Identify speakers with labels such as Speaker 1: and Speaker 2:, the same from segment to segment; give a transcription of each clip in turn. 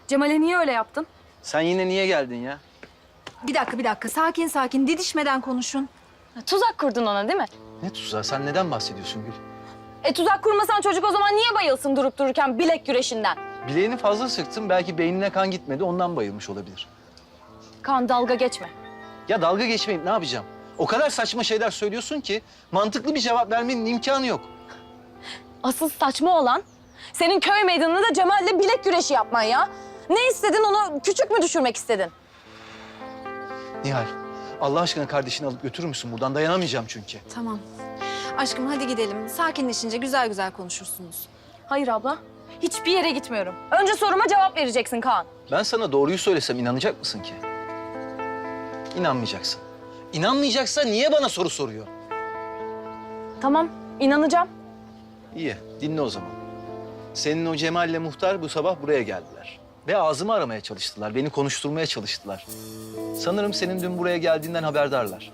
Speaker 1: Cemal'e niye öyle yaptın?
Speaker 2: Sen yine niye geldin ya?
Speaker 1: Bir dakika. Sakin sakin. Didişmeden konuşun.
Speaker 3: Tuzak kurdun ona değil mi?
Speaker 2: Ne tuzağı? Sen neden bahsediyorsun Gül?
Speaker 3: Tuzak kurmasan çocuk o zaman niye bayılsın durup dururken bilek güreşinden?
Speaker 2: Bileğini fazla sıktın. Belki beynine kan gitmedi. Ondan bayılmış olabilir.
Speaker 3: Kaan dalga geçme.
Speaker 2: Ya dalga geçmeyip ne yapacağım? O kadar saçma şeyler söylüyorsun ki mantıklı bir cevap vermenin imkanı yok.
Speaker 3: Asıl saçma olan senin köy meydanında Cemal'le bilek güreşi yapman ya. Ne istedin, onu küçük mü düşürmek istedin?
Speaker 2: Nihal, Allah aşkına kardeşini alıp götürür müsün? Buradan dayanamayacağım çünkü.
Speaker 1: Tamam. Aşkım hadi gidelim. Sakinleşince güzel güzel konuşursunuz.
Speaker 3: Hayır abla, hiçbir yere gitmiyorum. Önce soruma cevap vereceksin Kaan.
Speaker 2: Ben sana doğruyu söylesem inanacak mısın ki? İnanmayacaksın. İnanmayacaksa niye bana soru soruyor?
Speaker 3: Tamam, inanacağım.
Speaker 2: İyi, dinle o zaman. Senin o Cemal'le muhtar bu sabah buraya geldiler. Ve ağzımı aramaya çalıştılar, beni konuşturmaya çalıştılar. Sanırım senin dün buraya geldiğinden haberdarlar.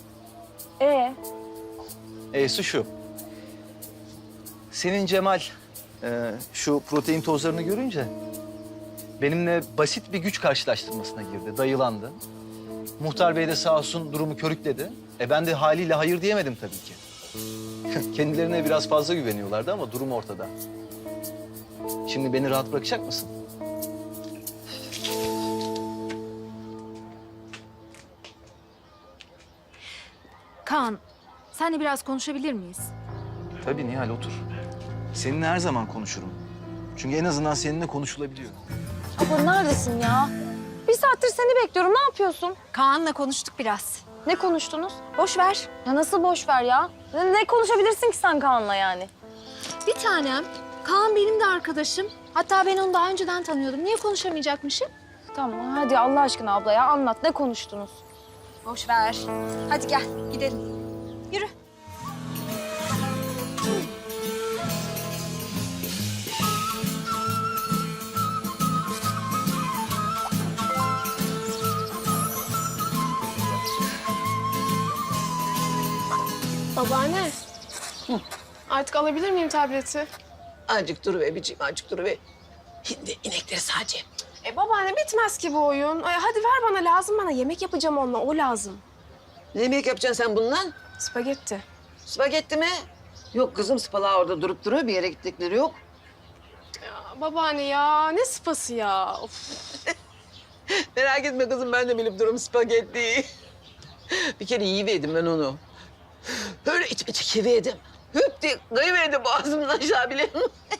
Speaker 2: E'si şu. Senin Cemal şu protein tozlarını görünce benimle basit bir güç karşılaştırmasına girdi, dayılandı. Muhtar Bey de sağ olsun durumu körükledi. Ben de haliyle hayır diyemedim tabii ki. Kendilerine biraz fazla güveniyorlardı ama durum ortada. Şimdi beni rahat bırakacak mısın?
Speaker 1: Kaan, seninle biraz konuşabilir miyiz?
Speaker 2: Tabii Nihal, otur. Seninle her zaman konuşurum. Çünkü en azından seninle konuşulabiliyor.
Speaker 3: Abla neredesin ya? Bir saattir seni bekliyorum, ne yapıyorsun?
Speaker 1: Kaan'la konuştuk biraz.
Speaker 3: Ne konuştunuz?
Speaker 1: Boş ver.
Speaker 3: Ya nasıl boş ver ya? Ne konuşabilirsin ki sen Kaan'la yani?
Speaker 1: Bir tanem. Kaan benim de arkadaşım. Hatta ben onu daha önceden tanıyordum. Niye konuşamayacakmışım?
Speaker 3: Tamam hadi Allah aşkına abla ya anlat, ne konuştunuz?
Speaker 1: Boş ver. Hadi gel gidelim. Yürü.
Speaker 4: Babaanne. Artık alabilir miyim tableti?
Speaker 5: Azıcık dur be biciğim, azıcık dur be. Şimdi inekleri sadece.
Speaker 4: Babaanne bitmez ki bu oyun. Hadi ver bana, lazım bana. Yemek yapacağım onunla, o lazım.
Speaker 5: Ne yemek yapacaksın sen bununla?
Speaker 4: Spagetti.
Speaker 5: Spagetti mi? Yok kızım, spalar orada durup duruyor. Bir yere gittikleri yok.
Speaker 4: Babaanne ya, ne spası ya? Of.
Speaker 5: Merak etme kızım, ben de bilip durum spagettiyi. Bir kere yiyiverdim ben onu. Böyle içime çekiverdim. Hüp diye kayıverdi boğazımdan aşağı bile.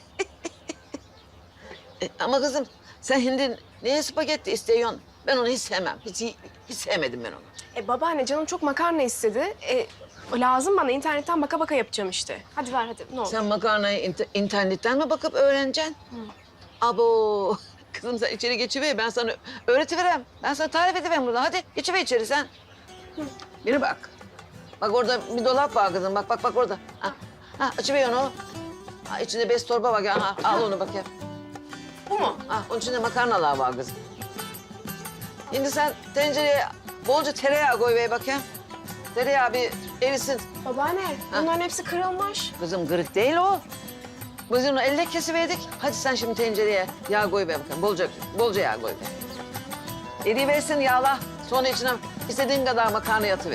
Speaker 5: Ama kızım sen şimdi neye spagetti istiyorsun? Ben onu hiç sevmem. Hiç sevmedim ben onu.
Speaker 4: Babaanne canım çok makarna istedi. Lazım bana, internetten baka baka yapacağım işte. Hadi ver hadi, ne olur.
Speaker 5: Sen makarnayı internetten mi bakıp öğreneceksin? Abo. Kızım sen içeri geçiver, ben sana öğretiverem. Ben sana tarif ediveren burada. Hadi geçiver içeri sen. Biri bak. Bak orada bir dolap var kızım. Bak orada. Ha, açıver onu. Ha, içinde bez torba var. Ha, al onu bakayım.
Speaker 4: Bu mu?
Speaker 5: Ha, onun içinde makarnalar var kızım. Şimdi sen tencereye bolca tereyağı koy ver bakayım. Tereyağı bir erisin.
Speaker 4: Babaanne, bunların hepsi kırılmış.
Speaker 5: Kızım kırık değil o. Biz onu elle kesiverdik. Hadi sen şimdi tencereye yağ koy ver bakayım. Bolca yağ koy ver. Eriversin yağla. Sonra içine istediğin kadar makarna yatıver.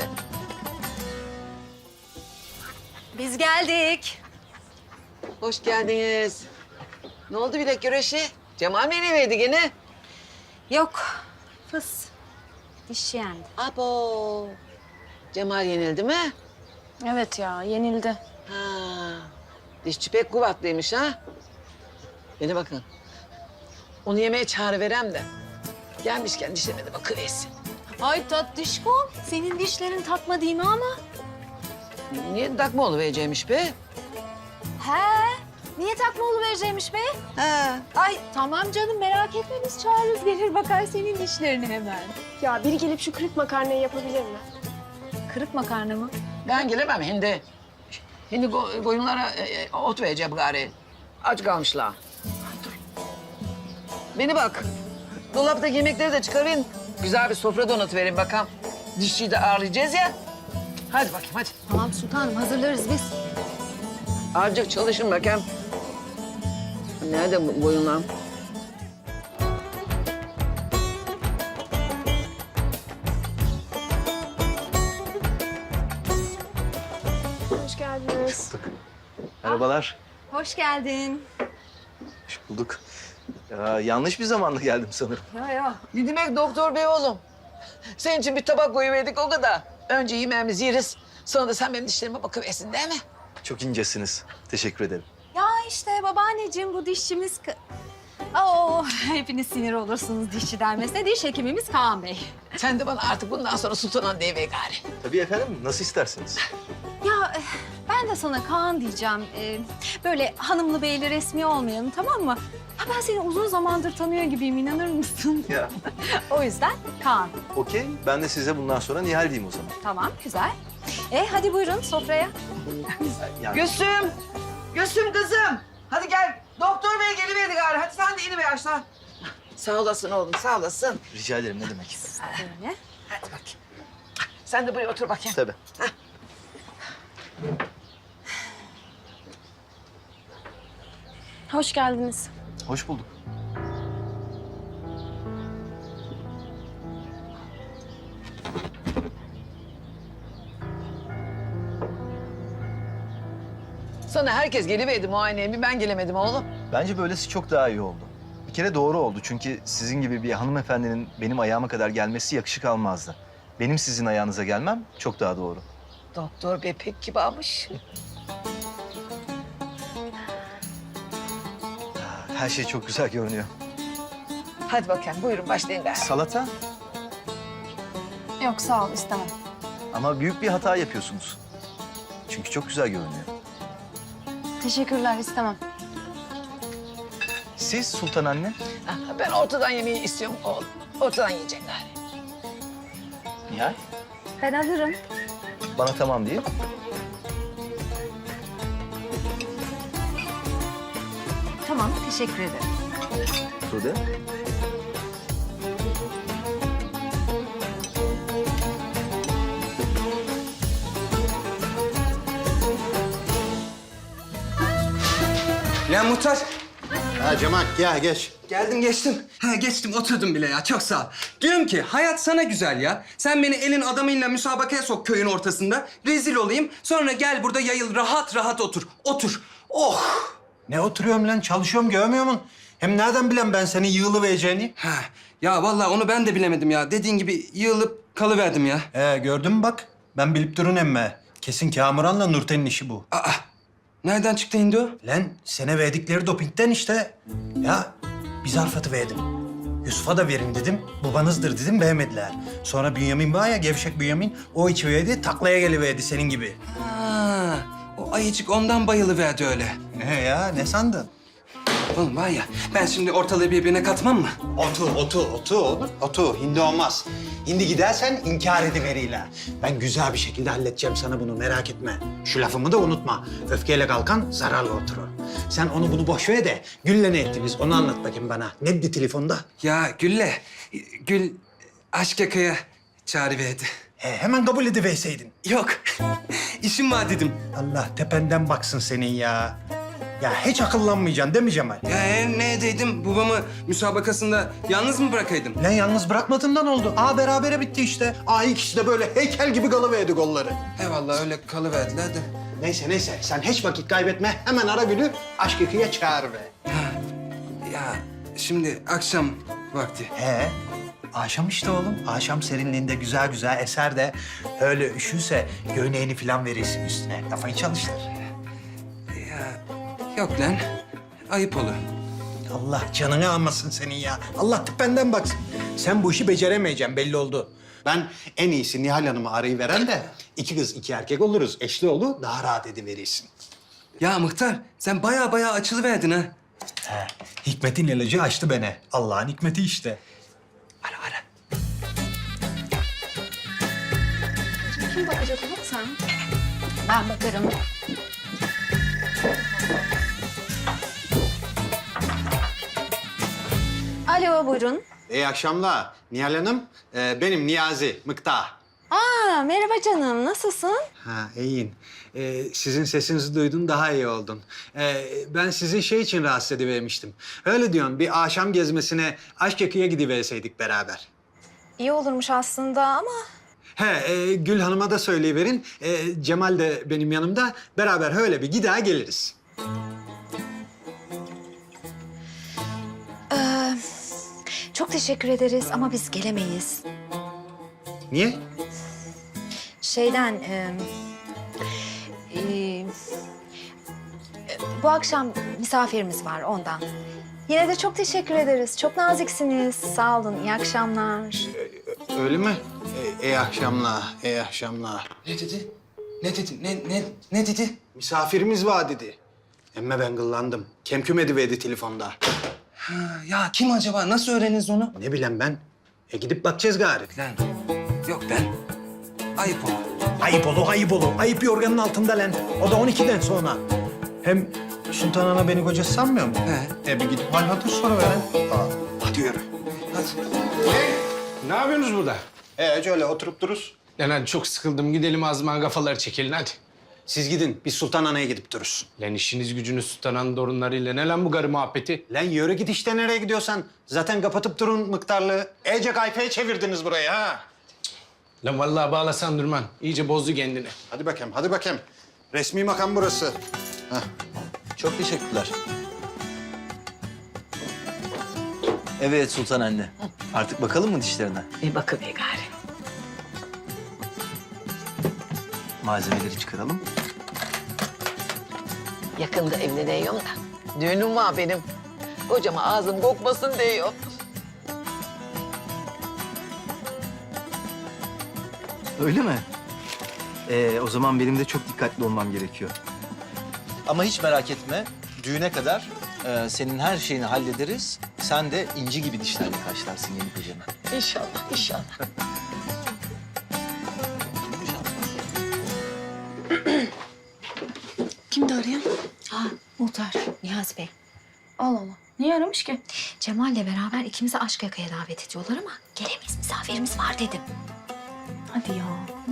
Speaker 1: Biz geldik.
Speaker 5: Hoş geldiniz. Ne oldu bilek güreşi? Cemal mi yeniverdi gene?
Speaker 1: Yok. Fıs. Dişi yendi.
Speaker 5: Abo. Cemal yenildi mi?
Speaker 3: Evet ya yenildi.
Speaker 5: Ha. Dişçi pek kuvvetliymiş ha. Beni bakın. Onu yemeğe çağırıverem de. Gelmişken dişlerine de bakıversin.
Speaker 1: Ay tatlışkom. Senin dişlerin takma değil mi ama?
Speaker 5: Niye takma oluvereceğimiş be?
Speaker 1: He. Niye takma oluvereceğimiş be?
Speaker 5: Ha.
Speaker 1: Ay tamam canım merak etme biz çağırırız gelir bakar senin dişlerini hemen.
Speaker 4: Ya biri gelip şu kırık makarnayı yapabilir mi?
Speaker 1: Kırık makarna mı?
Speaker 5: Ben gelemem hindi. Hindi koyunlara ot vereceğim gari. Aç kalmışlar. Dur. Beni bak. Dolaptaki yemekleri de çıkarın. Güzel bir sofra donatıverin bakalım. Dişçiyi de ağırlayacağız ya. Hadi bakayım hadi.
Speaker 1: Tamam sultanım hazırlarız biz.
Speaker 5: Azıcık çalışın bakayım. Nerede bu koyunlar?
Speaker 4: Hoş geldiniz.
Speaker 2: Merhabalar.
Speaker 1: Hoş geldin.
Speaker 2: Hoş bulduk. Ya, yanlış bir zamanda geldim sanırım.
Speaker 5: Ne demek doktor bey oğlum? Senin için bir tabak koyuverdik o kadar. Önce yemeğimizi yeriz. Sonra da sen benim dişlerime bakıversin değil mi?
Speaker 2: Çok incesiniz. Teşekkür ederim.
Speaker 1: Ya işte babaanneciğim bu dişçimiz... hepiniz sinir olursunuz dişçi denmesine. Diş hekimimiz Kaan Bey.
Speaker 5: Sen de bana artık bundan sonra sultanan deyiver gari.
Speaker 2: Tabii efendim. Nasıl isterseniz.
Speaker 1: Ya ben de sana Kaan diyeceğim. Böyle hanımlı beyli resmi olmayalım, tamam mı? Ha, ben seni uzun zamandır tanıyor gibiyim, inanır mısın?
Speaker 2: Ya
Speaker 1: O yüzden Kaan.
Speaker 2: okey. Ben de size bundan sonra Nihal diyeyim o zaman.
Speaker 1: Tamam, güzel. Hadi buyurun sofraya.
Speaker 2: Yani
Speaker 5: Gülsüm! Gülsüm kızım! Hadi gel. Doktor bey geliverdi gari. Hadi sen de iniver aşağı. Sağ olasın oğlum, sağ olasın.
Speaker 2: rica ederim ne demek.
Speaker 1: Böyle.
Speaker 5: Hadi bakayım. Sen de buraya otur bakayım.
Speaker 2: Tabii.
Speaker 3: Hoş geldiniz.
Speaker 2: Hoş bulduk.
Speaker 5: Sana herkes geliverdi muayeneye. Bir ben gelemedim oğlum.
Speaker 2: Bence böylesi çok daha iyi oldu. Bir kere doğru oldu çünkü sizin gibi bir hanımefendinin benim ayağıma kadar gelmesi yakışık almazdı. Benim sizin ayağınıza gelmem çok daha doğru.
Speaker 5: Doktor bey pek kibarmış.
Speaker 2: Her şey çok güzel görünüyor.
Speaker 5: Hadi bakayım buyurun başlayın gari.
Speaker 2: Salata
Speaker 3: Yok sağ ol istemem.
Speaker 2: ama büyük bir hata yapıyorsunuz. Çünkü çok güzel görünüyor.
Speaker 3: Teşekkürler istemem.
Speaker 2: Siz Sultan anne?
Speaker 5: Ha, ben ortadan yemeği istiyorum oğlum. Ortadan yiyecek gari.
Speaker 2: Nihal?
Speaker 1: Ben hazırım.
Speaker 2: Bana tamam değil.
Speaker 1: Tamam, teşekkür ederim.
Speaker 2: Tuğde?
Speaker 6: Ya Muhtar,
Speaker 7: Ha Cemal gel geç.
Speaker 6: geldim geçtim. Geçtim oturdum bile ya, çok sağ ol. Diyorum ki hayat sana güzel ya. Sen beni elin adamıyla müsabakaya sok köyün ortasında. Rezil olayım. Sonra gel burada yayıl rahat rahat otur. Otur. Oh!
Speaker 7: Ne oturuyorum lan çalışıyorum görmüyor musun? Hem nereden bilen ben senin yığılıvereceğini?
Speaker 6: Ha, ya vallahi onu ben de bilemedim ya. Dediğin gibi yığılıp kalıverdim ya.
Speaker 7: Gördün mü bak? Ben bilip durun emme. Kesin Kamuran'la Nurten'in işi bu.
Speaker 6: Aa, nereden çıktı indi o?
Speaker 7: Lan sana verdikleri dopingten işte. Ya bir zarf atıverdim. Yusuf'a da verin dedim. Babanızdır dedim beğenmediler. Sonra Bünyamin var ya gevşek Bünyamin. O içiverdi taklaya geliverdi senin gibi.
Speaker 6: Ha, o ayıcık ondan bayılıverdi öyle.
Speaker 7: Ne ya ne sandın?
Speaker 6: Oğlum var ya, ben şimdi ortalığı birbirine katmam mı?
Speaker 7: Otu oğlum. Otu. Hindi olmaz. Hindi gidersen inkar ediveriyle. Ben güzel bir şekilde halledeceğim sana bunu merak etme. Şu lafımı da unutma. Öfkeyle kalkan zararla oturur. Sen onu bunu boş ver de Gül'le ne ettiniz onu anlat bakayım bana. Ne dedi telefonda?
Speaker 6: Ya Gül aşk yakaya çağrıverdi.
Speaker 7: Hemen kabul ediverseydin.
Speaker 6: Yok, işim var dedim.
Speaker 7: Allah tependen baksın senin ya. Ya hiç akıllanmayacaksın değil mi Cemal?
Speaker 6: Ya ne edeydim? Babamı müsabakasında yalnız mı bırakaydım?
Speaker 7: Lan yalnız bırakmadığından oldu. Berabere bitti işte. İkisi de böyle heykel gibi kalıverdi golları.
Speaker 6: Eyvallah öyle kalıverdiler de.
Speaker 7: Neyse sen hiç vakit kaybetme. Hemen ara Gül'ü aşk yıkıya çağır be.
Speaker 6: Ya şimdi akşam vakti.
Speaker 7: Akşam işte oğlum. Akşam serinliğinde güzel güzel eser de öyle üşürse göğneğini falan verirsin üstüne. Kafayı çalıştır.
Speaker 6: Yok lan, ayıp olur.
Speaker 7: Allah canını almasın senin ya. Allah tependen baksın. Sen bu işi beceremeyeceksin belli oldu. Ben en iyisi Nihal Hanım'ı arayıveren de 2 kız 2 erkek oluruz. Eşli oğlu daha rahat ediverirsin.
Speaker 6: Ya Muhtar, sen baya açılıverdin ha.
Speaker 7: Hikmet'in ilacı açtı beni. Allah'ın hikmeti işte.
Speaker 6: Ara.
Speaker 1: Kim bakacak ona sen? Ben bakarım. Alo, buyurun.
Speaker 7: İyi akşamlar. Nihal Hanım, benim Niyazi, Mıkta.
Speaker 1: Merhaba canım, nasılsın?
Speaker 7: İyiyim. Sizin sesinizi duydum, daha iyi oldum. Ben sizi şey için rahatsız edivermiştim. Öyle diyorum, bir akşam gezmesine Aşk Yakı'ya gidiverseydik beraber.
Speaker 1: İyi olurmuş aslında ama...
Speaker 7: Gül Hanım'a da söyleyiverin. Cemal de benim yanımda. Beraber öyle bir gider geliriz.
Speaker 1: Çok teşekkür ederiz ama biz gelemeyiz.
Speaker 7: Niye?
Speaker 1: Şeyden... bu akşam misafirimiz var ondan. Yine de çok teşekkür ederiz. Çok naziksiniz. Sağ olun. İyi akşamlar.
Speaker 7: Öyle mi? İyi akşamlar, iyi akşamlar.
Speaker 6: Ne dedi? Ne dedi? Ne dedi?
Speaker 7: Misafirimiz var dedi. Emme ben gıllandım. Kemküm ediverdi telefonda.
Speaker 6: Ha, ya kim acaba? Nasıl öğreniriz onu?
Speaker 7: Ne bileyim ben. Gidip bakacağız gari.
Speaker 6: Lan yok ben. Ayıp oldu.
Speaker 7: Ayıp olur, ayıp olur. Ayıp yorganın altında lan. O da 12'den sonra. Hem Sultan Ana beni kocası sanmıyor mu?
Speaker 6: He.
Speaker 7: Bir gidip hal hatır sonra veren.
Speaker 6: Hadi yürü. Hadi.
Speaker 8: Ne yapıyorsunuz burada?
Speaker 7: Öyle oturup dururuz.
Speaker 8: Lan hadi çok sıkıldım. Gidelim azman kafaları çekelim hadi.
Speaker 7: Siz gidin, biz Sultan Ana'ya gidip dururuz.
Speaker 8: Lan işiniz gücünüz Sultan'ın torunlarıyla. Ne lan bu garı muhabbeti?
Speaker 7: Lan yürü git işte nereye gidiyorsan. Zaten kapatıp durun miktarlı. İyice kayfaya çevirdiniz burayı ha.
Speaker 8: Lan vallahi bağlasan durman. İyice bozdu kendini.
Speaker 7: Hadi bakayım, hadi bakayım. Resmi makam burası.
Speaker 2: Çok teşekkürler. Evet Sultan anne. Artık bakalım mı dişlerine?
Speaker 5: Bir bakıver gari.
Speaker 2: Malzemeleri çıkaralım.
Speaker 5: Yakında evleniyorum da. Düğünüm var benim. Kocama ağzım kokmasın diyor.
Speaker 2: Öyle mi? O zaman benim de çok dikkatli olmam gerekiyor. Ama hiç merak etme. Düğüne kadar senin her şeyini hallederiz. Sen de inci gibi dişlerle karşılarsın yeni kocanı.
Speaker 5: İnşallah, inşallah.
Speaker 3: Kimdi arayan?
Speaker 1: Muhtar Niyazi Bey.
Speaker 3: Allah Allah. Niye aramış ki?
Speaker 1: Cemal'le beraber ikimizi aşk yakaya davet ediyorlar ama gelemeyiz. Misafirimiz var dedim.
Speaker 3: Hadi ya.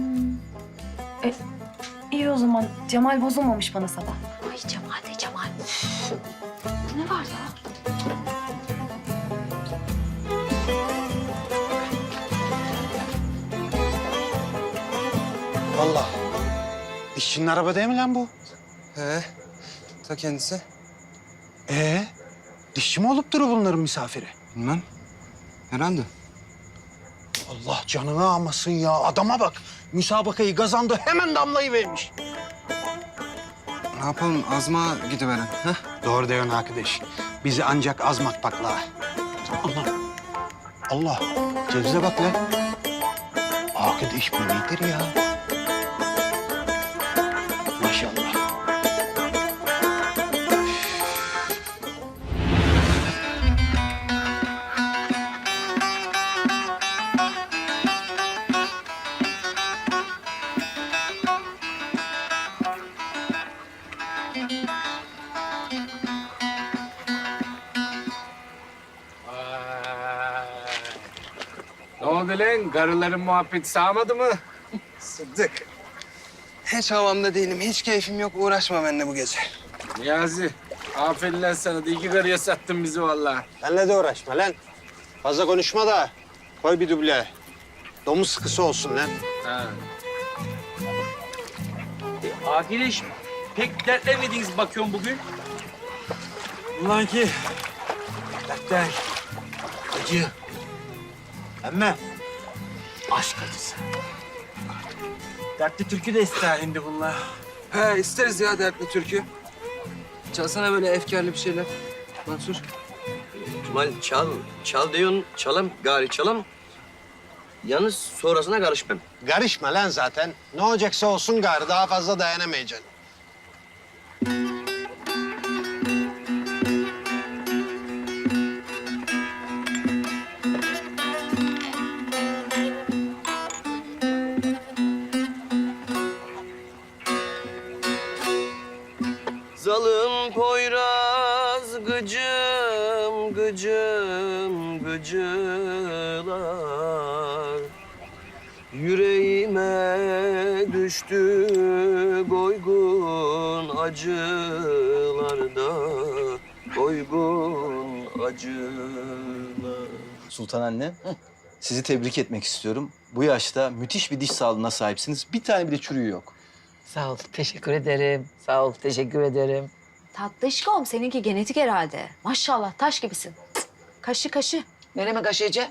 Speaker 3: İyi o zaman. Cemal bozulmamış bana sabah.
Speaker 1: Ay Cemal de Cemal. Üf. Ne var ya?
Speaker 7: Allah. İşçinin araba değil mi lan bu?
Speaker 6: He. Ta kendisi.
Speaker 7: Dişçi mi olup durur bunların misafiri?
Speaker 6: Bilmem. Herhalde.
Speaker 7: Allah canını almasın ya. Adama bak. Müsabakayı kazandı. Hemen damlayı vermiş.
Speaker 6: Ne yapalım? Azma gidiveren. Ha?
Speaker 7: Doğru diyorsun arkadaş. Bizi ancak azmak pakla. Allah. Allah. Cevize bak lan. Arkadaş bu nedir ya? Maşallah.
Speaker 8: Ne oldu lan? Garıların muhabbeti sağmadı mı?
Speaker 6: Sıddık. Hiç havamda değilim. Hiç keyfim yok. Uğraşma benimle bu gece.
Speaker 8: Niyazi, aferin lan sana da iki garıya sattın bizi vallahi.
Speaker 7: Benle de uğraşma lan. Fazla konuşma da koy bir duble. Domuz sıkısı olsun lan.
Speaker 8: Ha.
Speaker 9: Arkadaş pek dertlenmediniz bakıyorum bugün. Ulan ki dertler, acı,
Speaker 7: Emme.
Speaker 9: aşk acısı. Dertli türkü de ister şimdi bunlar.
Speaker 6: He isteriz ya dertli türkü. Çalsana böyle efkarlı bir şeyler. Mansur.
Speaker 9: Kemal çal diyorsun, çalam, gari çalam. Yalnız sonrasına karışmam.
Speaker 7: Karışma lan zaten. Ne olacaksa olsun gari. Daha fazla dayanamayacaksın.
Speaker 9: Zalım Poyraz gıcım gıcım gıcılar. Yüreğime düştü koygun acılarda, koygun acılar.
Speaker 2: Sultan anne, sizi tebrik etmek istiyorum. Bu yaşta müthiş bir diş sağlığına sahipsiniz. Bir tane bile çürüğü yok.
Speaker 5: Sağ ol, teşekkür ederim. Sağ ol, teşekkür ederim.
Speaker 1: Tatlışkom seninki genetik herhalde. Maşallah taş gibisin. Cık, kaşı kaşı.
Speaker 5: Nereye mi kaşıyacağım?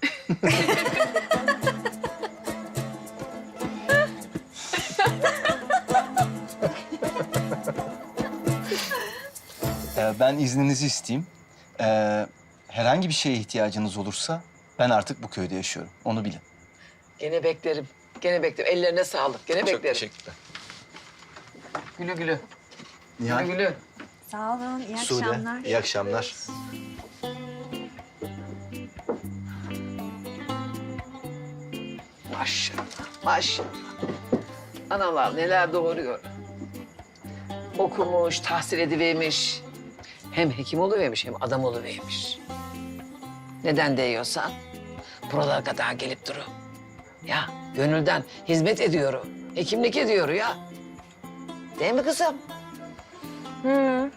Speaker 2: Ben izninizi isteyeyim. Herhangi bir şeye ihtiyacınız olursa ben artık bu köyde yaşıyorum. Onu bilin.
Speaker 5: Gene beklerim. Gene beklerim. Ellerine sağlık. Gene beklerim.
Speaker 2: teşekkürler.
Speaker 5: Gülü gülü.
Speaker 2: Nihal,
Speaker 5: Gülü gülü.
Speaker 1: Sağ olun, iyi
Speaker 2: Sude,
Speaker 1: akşamlar.
Speaker 2: iyi akşamlar.
Speaker 5: Maşallah, maşallah. Analar neler doğuruyor. Okumuş, tahsil edivermiş. Hem hekim oluvermiş hem adam oluvermiş. Neden değiyorsan buralara kadar gelip duru. Ya gönülden hizmet ediyorum. Hekimlik ediyor ya. Değil mi kızım?
Speaker 3: Hı.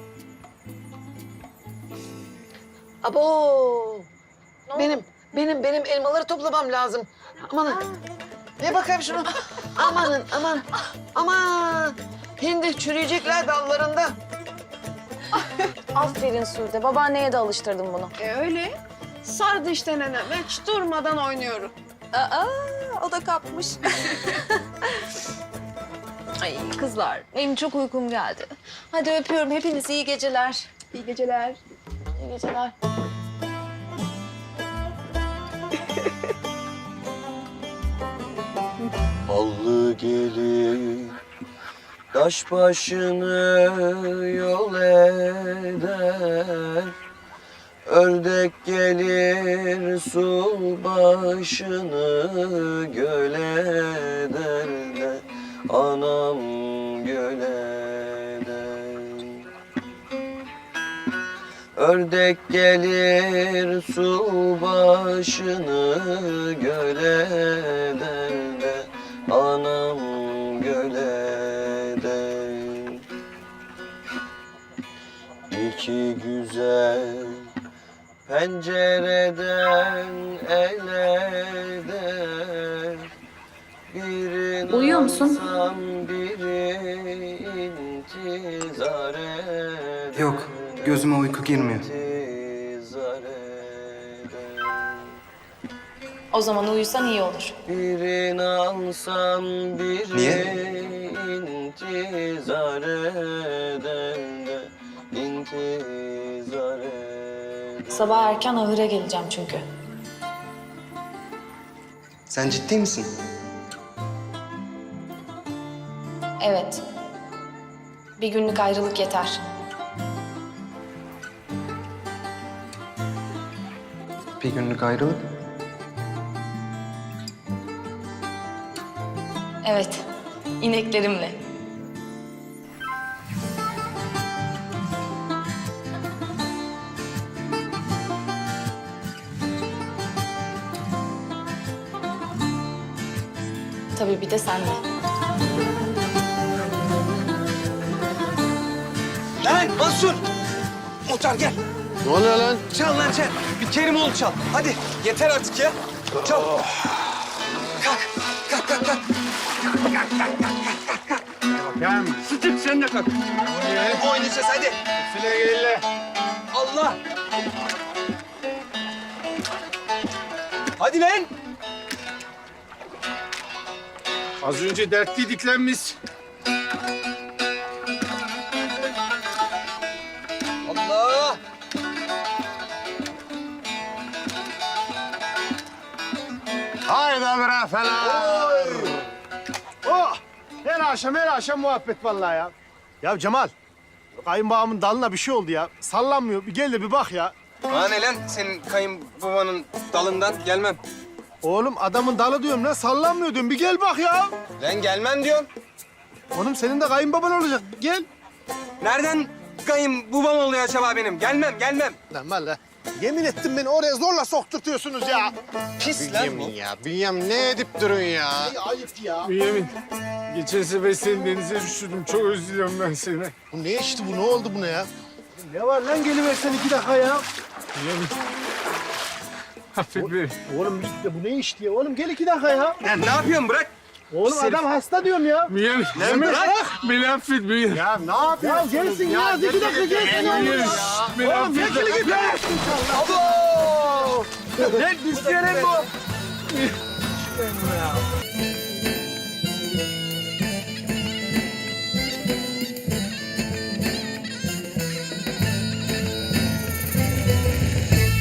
Speaker 5: Abo. Benim elmaları toplamam lazım. Amanın. Ne bakayım şunu. Amanın, aman. Hindi çürüyecekler dallarında.
Speaker 3: Aferin Sude. Babaanneye de alıştırdım bunu.
Speaker 4: Öyle. Sardı işte nenem. Hiç durmadan oynuyorum.
Speaker 1: Aa, o da kapmış. Ay kızlar, benim çok uykum geldi. Hadi öpüyorum, hepiniz iyi geceler.
Speaker 4: İyi geceler.
Speaker 3: İyi geceler.
Speaker 9: Ballı gelir, taş başını yol eder. Ördek gelir, su başını göl eder de anam göl eder. Ördek gelir, su başını göl eder de anam göl eder. İki güzel pencereden el eder. Birini
Speaker 3: Uyuyor musun?
Speaker 9: alsam biri intizar eder.
Speaker 6: Yok, gözüme uyku girmiyor.
Speaker 9: İntizar eder.
Speaker 3: O zaman uyusan iyi olur.
Speaker 9: Birini alsam biri
Speaker 6: Niye?
Speaker 9: intizar eder de intizar eder.
Speaker 3: Sabah erken ahıra geleceğim çünkü.
Speaker 6: Sen ciddi misin?
Speaker 3: Evet. Bir günlük ayrılık yeter.
Speaker 6: Bir günlük ayrılık.
Speaker 3: Evet. İneklerimle. Tabii bir de senle.
Speaker 6: Lan Mansur! Muhtar gel.
Speaker 9: Ne oluyor lan?
Speaker 6: Çal lan çal. Bir Kerimoğlu çal. Hadi yeter artık ya. Çal. Kalk. Kalk.
Speaker 8: Bakayım. Sıtık sen de kalk.
Speaker 6: Oynayacağız hadi.
Speaker 8: File gelle.
Speaker 6: Allah. Hadi lan.
Speaker 8: Az önce dertliydik lan biz.
Speaker 6: Allah.
Speaker 8: Haydi bre falan.
Speaker 10: Oh! Her akşam muhabbet vallahi ya. Ya Cemal, kayınbağamın dalına bir şey oldu ya. Sallanmıyor. Bir gel de bir bak ya.
Speaker 6: Bana ne lan senin kayınbabanın dalından gelmem.
Speaker 10: Oğlum adamın dalı diyorum lan, sallanmıyor diyorum. Bir gel bak ya.
Speaker 6: Lan gelmem diyorum.
Speaker 10: Oğlum senin de kayınbaban olacak. Gel.
Speaker 6: Nereden kayınbabam oluyor acaba benim? Gelmem.
Speaker 10: Lan valla. Yemin ettim beni oraya zorla sokturtuyorsunuz ya.
Speaker 6: Pis lan bu.
Speaker 10: ya. Bünyamin ne edip durun ya? Ayıp ya.
Speaker 8: Bünyamin, geçen sefer seni denize düşürdüm. Çok özlüyorum ben seni.
Speaker 10: Bu ne işti bu? Ne oldu buna ya? Ne var lan, geliversen 2 dakika ya.
Speaker 8: Bünyamin, Affet beni.
Speaker 10: Oğlum git de bu ne iş diye. Oğlum gel 2 dakika ya.
Speaker 6: Ya ne yapıyorsun bırak.
Speaker 10: Oğlum adam hasta diyorum ya.
Speaker 8: Beni,
Speaker 10: bırak.
Speaker 8: beni affet beni.
Speaker 10: Ya ne yapıyorsun? Ya gelsin ya. 2 dakika gelsin oğlum ya.
Speaker 8: Beni
Speaker 10: Oğlum
Speaker 8: affet.
Speaker 10: çekil git. Abo! Ne düşüyor lan bu?